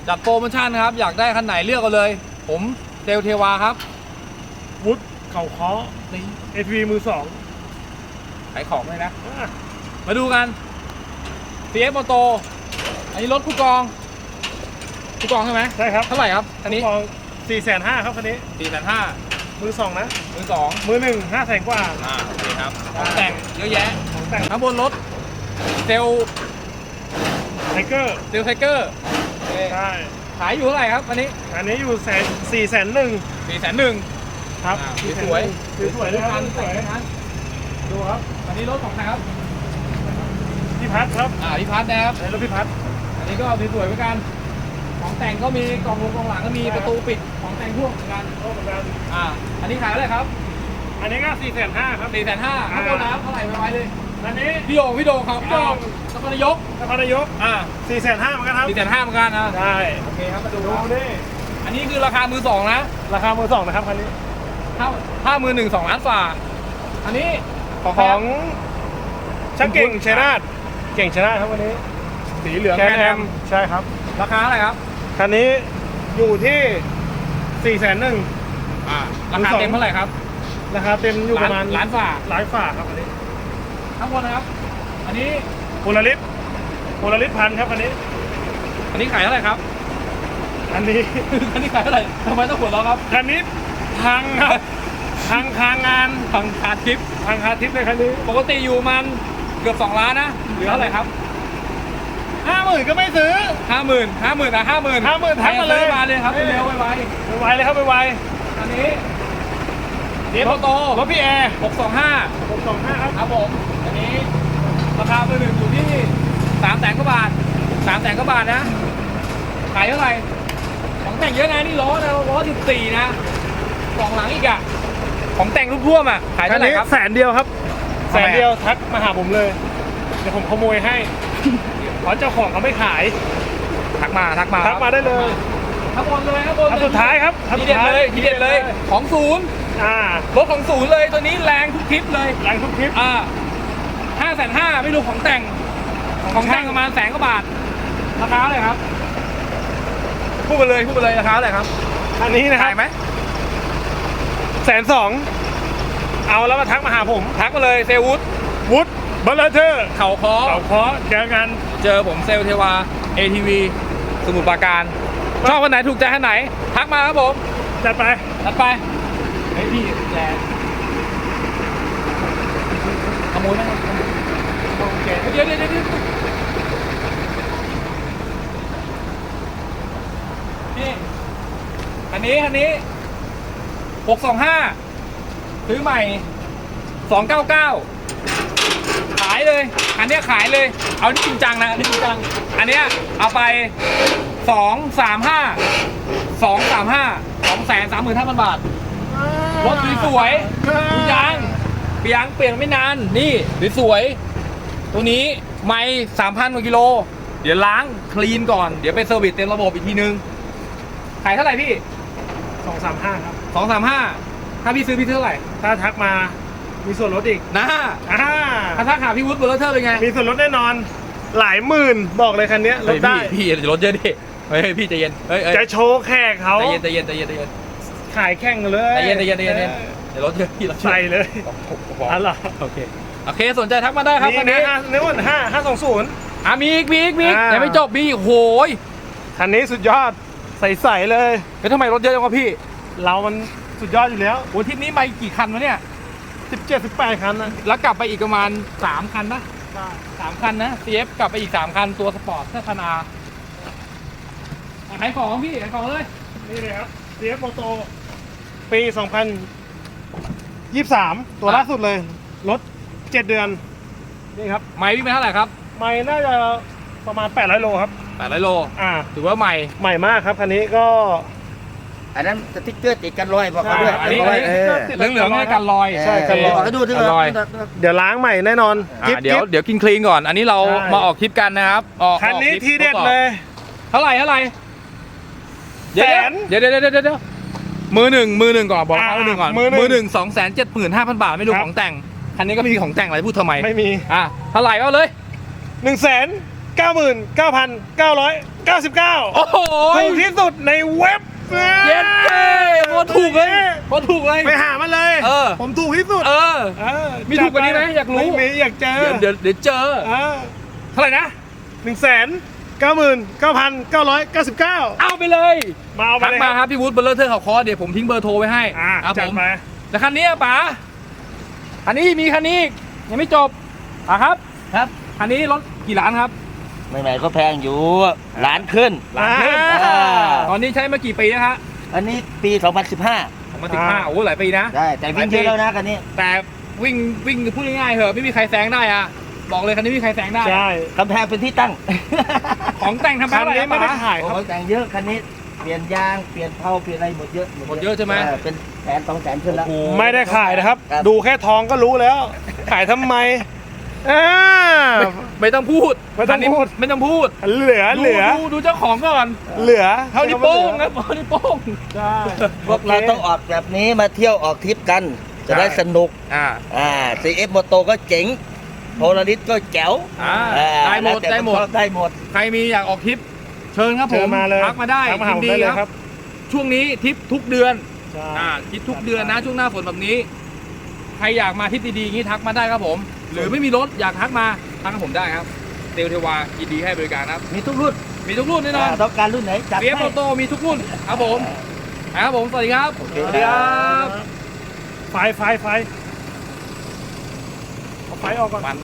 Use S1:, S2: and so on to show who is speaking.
S1: จัดโปรโมชั่นครับอยากได้คันไหนเลือกเอาเลยผมเซลเทวาครับ
S2: วุฒิเข่าเคาะ
S1: นี่
S2: SV มือ 2
S1: ขายของเลยนะมาดูกัน CF Moto อันนี้รถคู่กองใช่ไหม
S2: ใช่ครับ
S1: เท่าไหร่ครับอันนี้
S2: กอง 450,000 ครับคันนี้
S1: 4,500,000
S2: มือ 2 นะ
S1: มือสอง
S2: มือ 1 500,000 กว่า
S1: โอเคครับของแต่งเยอะแยะ
S2: ของแต่ง
S1: ข้างบนรถเซล
S2: ไทเกอร์
S1: ไทเกอร์
S2: ใช่
S1: ขายอยู่เท่าไหร่ครับอันนี้
S2: อันนี้อยู่401,000
S1: 4,100,000
S2: ครับ
S1: สวย
S2: สวยเลยครับสวย ดูครับ
S1: อันนี้รถของใครครับ
S2: พี่พัดครับ
S1: พี่พัฒน์นะครับ
S2: ในรถพี่พัด
S1: อันนี้ก็สวยๆเหมือนกันของแต่งก็มีกล่องลงกล่องหลังก็มีประตูปิดของแต่งพ่วงเหมือนกัน
S2: โอ้เหมือนกัน
S1: อันนี้ขายเท่าไหร่ครับ
S2: อันนี้ก็450,000 ครับ
S1: 4,500,000ข้างบนน้ำเท่าไหร่ไว้เลย
S2: อันนี้
S1: พี่โด่งครับพี่โด่งนครนายก
S2: นครนายก450,000 เหมือนกันครับ
S1: 4,500,000เหมือนกันนะ
S2: ได้
S1: โอเคครับมาดู
S2: ดูดิ
S1: อันนี้คือราคามือสองนะ
S2: ราคามือ 2 นะครับคันนี้
S1: ถ้ามือหนึ่ง2 ล้านฝ่าอันนี้ของ
S2: ของช่างเก่งชัยนาทเก่งชัยนาทครับวันนี้
S1: สีเหลือง
S2: แค
S1: แคน
S2: แอ
S1: แอ
S2: ม
S1: ม
S2: ใช่ครับ
S1: ราคาอะไรครับ
S2: คันนี้อยู่ที่401,000
S1: ราคาเต็มเท่าไหร่ครับ
S2: ราคาเต็มอยู่ประมาณ
S1: ล้านฝ่า
S2: ล้านฝ่าครับอันนี้
S1: ทั้งหมดนะครับ อันนี้
S2: โพลาริสพันครับอันนี้
S1: อันนี้ขายเท่าไหร่ครับ
S2: อันนี้
S1: อันนี้ขายเท่าไหร่ทำไมต้องหัวเราะครับ
S2: คันนี้พังครับพังคางาน
S1: พังคาทิป
S2: พังคาทิปเลยคันนี้
S1: ปกติอยู่มันเกือบ2 ล้านนะเหลือเท่าไหร่ครับ
S2: 50,000ก็ไม่ซื้อ
S1: 50,000 50,000 50,000
S2: 50,000ทักมาเลย
S1: มาเลยครับเร็วไว
S2: ไวเลยครับไว
S1: ๆอันนี้เดียโต
S2: รถพี่แอร์
S1: 625
S2: 625ครับ
S1: ครับผม อันนี้ราคามือหนึ่งอยู่ที่300,000 กว่าบาท300,000 กว่าบาทนะ ขายเท่าไหร่ ของแต่งเยอะนะนี่ล้อนะล้อ14นะกล่องหลังอีกอะของแต่งรูปท่วมอะขาย
S2: คั
S1: เท่าน ไหร่
S2: นี้
S1: ครับ
S2: 100,000ครับ
S1: ทำไมอะ
S2: 100,000ทักมาหาผมเลย เดี๋ยวผมขโมยให้เพราะเจ้าของเขาไม่ขาย
S1: ทักมา
S2: ทักมาได้เลย
S1: ข้างบนเลยข้างบน
S2: อันสุดท้ายครับอัน
S1: ที
S2: สุ
S1: เด็ดเลยทีเด็ดเลยของศูนย์ รถของศูนย์เลยตัวนี้แรงทุกคลิปเลย
S2: แรงทุกคลิป
S1: 550,000ไม่รู้ของแต่งประมาณ100,000 กว่าบาทราคาอะไรครับพูดไปเลยราคาอะไรครับ
S2: อันนี้นะครั
S1: ขายไหม
S2: 120,000เอาแล้วมาทักมาหาผม
S1: ทักมาเลยเซลวุฒ
S2: วุฒิบัลเลอร์เทอร์
S1: เขาคอ
S2: เขาเคาะเจอกัน
S1: เจอผมเซลเทวา ATV สมุทรปราการชอบคนไหนถูกใจคนไหน ทักมาครับผม
S2: จัดไป
S1: ตัดไปเฮ้ยพี่แจขโมยไหมโอเคเดี๋ยวนี่อันนี้625ซื้อใหม่299ขายเลยอันเนี้ยขายเลยเอานี่จริงจังนะอันนี้จริงจังอันเนี้ยเอาไป235,000 บาทรถสวยๆทุกอย่างเปลี่ยนไม่นานนี่สวยๆตัวนี้ไม่3,000 กว่ากิโลเดี๋ยวล้างคลีนก่อนเดี๋ยวไปเซอร์วิสเต็มระบบอีกทีนึงขายเท่าไหร่พี่
S2: 235ครับ
S1: 235ถ้าพี่ซื้อพี่เท่าไหร่
S2: ถ้าทักมามีส่วนลดอีก
S1: นะ
S2: อ่า
S1: ถ้าทักหาพี่วุฒิเบอร์เลอร์เป็นไง
S2: มีส่วนลดแน่นอน หลายหมื่นบอกเลยคันนี้ลดได้
S1: พี่รถเยอะดิเฮ้ยพี่ใจเย็นเฮ้ย
S2: จะโชว์แขกเขา
S1: ใจเย็น
S2: ขายแข่งเลย
S1: ใจเย็นเดี๋ยวรถเยอะพี่รถ
S2: ใส่เลย
S1: อ๋อโอเคสนใจทักมาได้ครับ
S2: นี่
S1: คัน
S2: นะ
S1: นี้
S2: นี่วัน520
S1: มีอีก
S2: อ่า
S1: ยังไม่จบมีอีกโหย
S2: คันนี้สุดยอดใสๆเลย
S1: ทำไมรถเยอะจังวะพี่
S2: เรามันสุดยอดอยู่แล้ว
S1: โอ้ทริปนี้มากี่คันวะเนี่ย
S2: 17-18 คันนะ
S1: แล้วกลับไปอีกประมาณ3 คันนะ3 คันนะ CF กลับไปอีก3 คันตัวสปอร์ตเสื้อธนาขายของพี่ขายของเลย
S2: นี่เลยครับ CF Moto ปี 2023 ตัวล่าสุดเลย รถ 7 เดือน นี่ครับ
S1: ไมล์วิ่งไปเท่าไหร่ครับ
S2: ไม่น่าจะประมาณ 800 โลครับ
S1: 800 โล ถือว่าใหม่
S2: ใหม่มากครับคันนี้ก็
S3: อันนั้นสติ๊กเกอร์ติดกันรอยบอกเขาด้วย
S1: อันนี้
S3: บอกว่า
S1: เหลืองๆให้กันรอย
S2: ใช่กันรอย
S3: บอกให้ดูที่
S1: กันรอย
S2: เดี๋ยวล้างใหม่แน่นอนกิ๊บ
S1: เดี๋ยวกินคลีนก่อน อันนี้เรา
S2: ใช่
S1: มาออกคลิปกันนะครับออก
S2: คันนี้
S1: ออกลิป
S2: ทีเด็ดเลย
S1: เท่าไหร่
S2: แสน
S1: เดี๋ยวมือหนึ่งก่อนบอกเขามือหนึ่งก่อน
S2: มือหนึ่ง
S1: มือหนึ่ง275,000 บาทไม่รู้
S2: ครับ
S1: ของแต่งคันนี้ก็ไม่มีของแต่งอะไรพูดทำไม
S2: ไม่มี
S1: เท่าไหร่เอาเลย
S2: 199,000 99,999
S1: โอ้โห
S2: ถูกที่สุดในเว็บ
S1: เย็นเก้โคตรถูกเลยโคตรถูกเลย
S2: ไปหามันเลย
S1: เออ
S2: ผมถูกที่สุด
S1: เออ มีถูกกว่านี้ไหมอยากรู้
S2: ไม่มีอยากเจอ
S1: เดี๋ยวเจอเท่าไหร่นะ
S2: 199,999
S1: เอาไปเลย
S2: มาเอาไป
S1: ทัก
S2: เลย
S1: มาครับพี่วุฒิเบอร์เลอร์เทอร์เขาคอเดี๋ยวผมทิ้งเบอร์โทรไว้ให้ครับ
S2: จั
S1: ผ
S2: ด
S1: ม
S2: ไป
S1: แต่คันนี้อะป๋าคันนี้มีคันนี้อีกยังไม่จบครับ
S3: ครับ
S1: คันนี้รถกี่ล้านครับ
S3: ใหม่ๆก็แพงอยู่ล้านขึ้น
S1: ล้านขึ้น
S3: อ่า
S1: ตอนนี้ใช้มากี่ปีนะฮะ
S3: อันนี้ปี 2015
S1: 2015โอ้โหหลายปีนะ
S3: ได้แต่วิ่งเยอะแล้วนะคันนี้
S1: แต่วิ่งพูดง่ายๆเหอะไม่มีใครแซงได้อะบอกเลยคันนี้ไม่มีใครแซงได้
S2: ใช่
S3: กำแพงเป็นที่ตั้ง
S1: ของแต่งทำ
S2: คั
S1: อะ
S2: น
S1: ไร
S2: นี้ไม่ได้ขาย
S3: โอ้
S2: ครับ
S3: ยแต่งเยอะคันนี้เปลี่ยนยางเปลี่ยนเผาเปลี่ยนอะไรหมดเยอะ
S1: หมดเยอะใช่ไหม
S3: เป็น100,000-200,000ขึ้นแล้ว
S1: โอ้โห
S2: ไม่ได้ขายนะครับ
S3: ครับ
S2: ดูแค่ทองก็รู้แล้ว ขายทำไมอ่า
S1: ไม่ต้องพูด
S2: ไม่ต้องพูด
S1: คันนี้ไม่ต้องพูด
S2: เหลือ
S1: ดูเจ้าของก่อน
S2: เหลือ
S1: เท่านี้วโป้งครับเท่านี้วโป้ง
S2: ใช่
S3: พวกเราต้องออกแบบนี้มาเที่ยวออกทริปกัน จะได้สนุก CF มอโตก็เจ๋งโพลาริสก็แจ๋ว
S1: ได้หมด
S3: แล้วแต่
S1: ได้หมด
S3: คนชอบได้หมด
S1: ใครมีอยากออกทริป เชิญครับผ
S2: เชิญ
S1: ม
S2: มาเลย
S1: ทักมาได้
S2: ทักมาหา
S1: ยิน
S2: ผม
S1: ดี
S2: ได้เลย
S1: ค
S2: ครั
S1: รับ บ ช่วงนี้ทริปทุกเดือน
S2: ใช่
S1: ทริปทุกเดือนนะช่วงหน้าฝนแบบนี้ ใครอยากมาทริปดีๆอย่างนี้ทักมาได้ครับผม หรือไม่มีรถอยากทักมาทักกับผมได้ครับเตลเทวายินดีให้บริการครับ
S3: มีทุกรุ่น
S1: มีทุกรุ่นแน่นอน
S3: ต้องการรุ่นไหนจัด
S1: เบีย
S3: ให้
S1: โตโตมีทุกรุ่นครับผมครับผมสวัสดีครับ
S3: โอเค
S1: สวัสดีครับ
S2: ไฟเอาไฟออกก่อน